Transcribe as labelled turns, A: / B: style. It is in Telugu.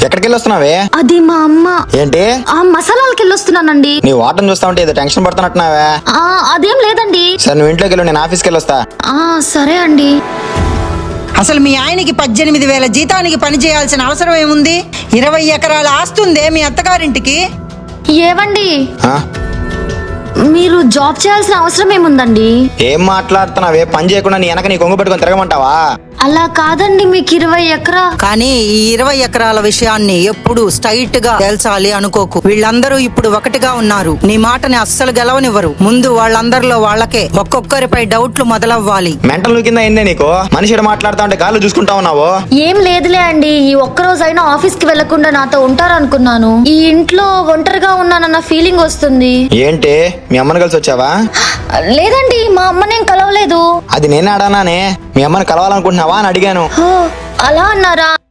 A: ఎక్కడికి వెళ్ళొస్తున్నావే?
B: అది మా అమ్మ.
A: ఏంటి?
B: ఆ మసాలాలకి వెళ్ళొస్తున్నానండి.
A: నీ వాటం చూస్తా ఉంటే ఏదో టెన్షన్ పడుతున్నట్టున్నావే.
B: అదేం లేదండి.
A: సరే నువ్వు ఇంట్లోకి వెళ్ళు, నేను ఆఫీస్కి వెళ్ళొస్తా.
B: సరే అండి.
C: అసలు మీ ఆయనకి 18,000 జీతానికి పని చేయాల్సిన అవసరం ఏముంది? 20 ఎకరాల ఆస్తుందే మీ అత్తగారింటికి.
B: ఏవండి,
A: ఆ?
B: మీరు జాబ్ చేయాల్సిన అవసరం ఏముందండి?
A: ఏం మాట్లాడుతున్నావే? పని చేయకుండా నీ వెనక నీ కొంగు పెట్టుకొని తిరగమంటావా?
B: అలా కాదండి, మీకు 20 ఎకరా.
C: కానీ ఈ 20 ఎకరాల విషయాన్ని ఎప్పుడు స్ట్రైట్ గా తేల్చాలి అనుకోకు. వీళ్ళందరూ ఇప్పుడు ఒకటిగా ఉన్నారు. నీ మాటని అస్సలు గెలవనివ్వరు. ముందు వాళ్ళందరిలో వాళ్ళకే ఒక్కొక్కరిపై డౌట్లు మొదలవ్వాలి.
A: మెంటల్ కింద అయిందే నీకు? మనిషి మాట్లాడుతా ఉంటే గాలు చూసుకుంటా ఉన్నావు.
B: ఏం లేదులే అండి, ఈ ఒక్కరోజైనా ఆఫీస్ కి వెళ్లకుండా నాతో ఉంటారనుకున్నాను. ఈ ఇంట్లో ఒంటరిగా ఉన్నానన్న ఫీలింగ్ వస్తుంది.
A: ఏంటి, మీ అమ్మని కలిసి వచ్చావా?
B: లేదండి, మా అమ్మనేం కలవలేదు.
A: అది నేనే అడానానే. మీ అమ్మని కలవాలనుకుంటున్నావా అని అడిగాను.
B: అలా అన్నారా?